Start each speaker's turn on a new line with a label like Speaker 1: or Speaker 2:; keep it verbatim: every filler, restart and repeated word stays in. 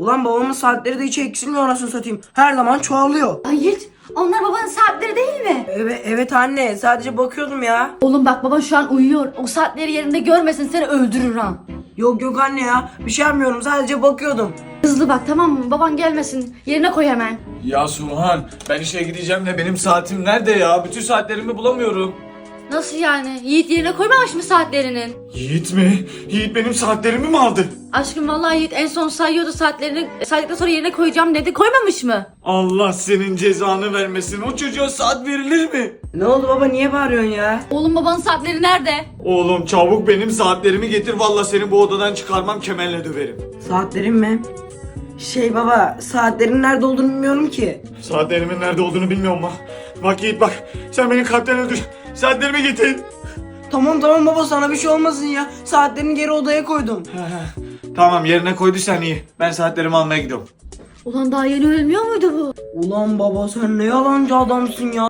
Speaker 1: Ulan babamın saatleri de hiç eksilmiyor anasını satayım. Her zaman çoğalıyor.
Speaker 2: Ay Yiğit, onlar babanın saatleri değil mi?
Speaker 1: Evet, evet anne, sadece bakıyordum ya.
Speaker 2: Oğlum bak, baban şu an uyuyor. O saatleri yerinde görmesin, seni öldürür ha.
Speaker 1: Yok yok anne ya, bir şey yapmıyorum, sadece bakıyordum.
Speaker 2: Hızlı bak, tamam mı? Baban gelmesin. Yerine koy hemen.
Speaker 3: Ya Suhan, ben işe gideceğim de benim saatim nerede ya? Bütün saatlerimi bulamıyorum.
Speaker 2: Nasıl yani? Yiğit yerine koymamış mı saatlerinin?
Speaker 3: Yiğit mi? Yiğit benim saatlerimi mi aldı?
Speaker 2: Aşkım vallahi Yiğit en son sayıyordu saatlerini. Saydıktan sonra yerine koyacağım dedi. Koymamış mı?
Speaker 3: Allah senin cezanı vermesin. O çocuğa saat verilir mi?
Speaker 1: Ne oldu baba, niye bağırıyorsun ya?
Speaker 2: Oğlum, babanın saatleri nerede?
Speaker 3: Oğlum çabuk benim saatlerimi getir. Vallahi seni bu odadan çıkarmam, kemerle döverim.
Speaker 1: Saatlerim mi? Şey baba, saatlerin nerede olduğunu bilmiyorum ki.
Speaker 3: Saatlerimin nerede olduğunu bilmiyorum mu? Bak Yiğit bak, sen beni kalpten öldür. Saatlerimi getir.
Speaker 1: Tamam tamam baba, sana bir şey olmasın ya. Saatlerini geri odaya koydum.
Speaker 3: Tamam, yerine koyduysan iyi. Ben saatlerimi almaya gidiyorum.
Speaker 2: Ulan daha yeni ölmüyor muydu bu?
Speaker 1: Ulan baba, sen ne yalancı adamsın ya.